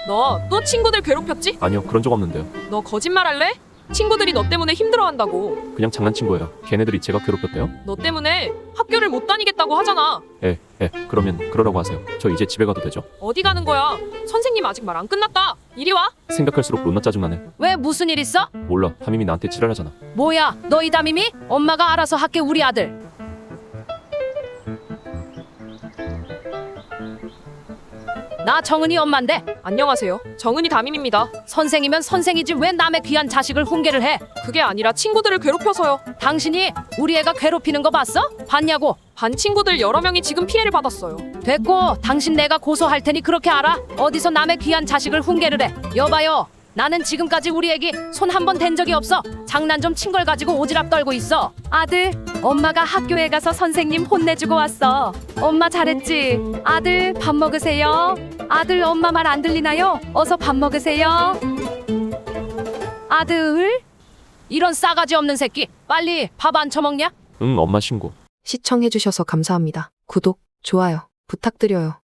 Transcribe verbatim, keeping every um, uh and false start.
너 또 친구들 괴롭혔지? 아니요, 그런 적 없는데요. 너 거짓말할래? 친구들이 너 때문에 힘들어한다고. 그냥 장난친 거예요. 걔네들이 제가 괴롭혔대요? 너 때문에 학교를 못 다니겠다고 하잖아. 예, 예, 그러면 그러라고 하세요. 저 이제 집에 가도 되죠? 어디 가는 거야? 선생님 아직 말 안 끝났다. 이리 와. 생각할수록 롯나 짜증나네. 왜 무슨 일 있어? 몰라, 담임이 나한테 지랄하잖아. 뭐야 너 이 담임이? 엄마가 알아서 할게 우리 아들. 나 정은이 엄마인데 안녕하세요. 정은이 담임입니다. 선생이면 선생이지 왜 남의 귀한 자식을 훈계를 해? 그게 아니라 친구들을 괴롭혀서요. 당신이 우리 애가 괴롭히는 거 봤어? 봤냐고? 반 친구들 여러 명이 지금 피해를 받았어요. 됐고 당신 내가 고소할 테니 그렇게 알아? 어디서 남의 귀한 자식을 훈계를 해? 여봐요 나는 지금까지 우리 애기 손 한 번 댄 적이 없어. 장난 좀 친 걸 가지고 오지랖 떨고 있어. 아들 엄마가 학교에 가서 선생님 혼내주고 왔어. 엄마 잘했지? 아들 밥 먹으세요. 아들 엄마 말 안 들리나요? 어서 밥 먹으세요. 아들 이런 싸가지 없는 새끼 빨리 밥 안 처먹냐? 응, 엄마 신고. 시청해주셔서 감사합니다. 구독, 좋아요 부탁드려요.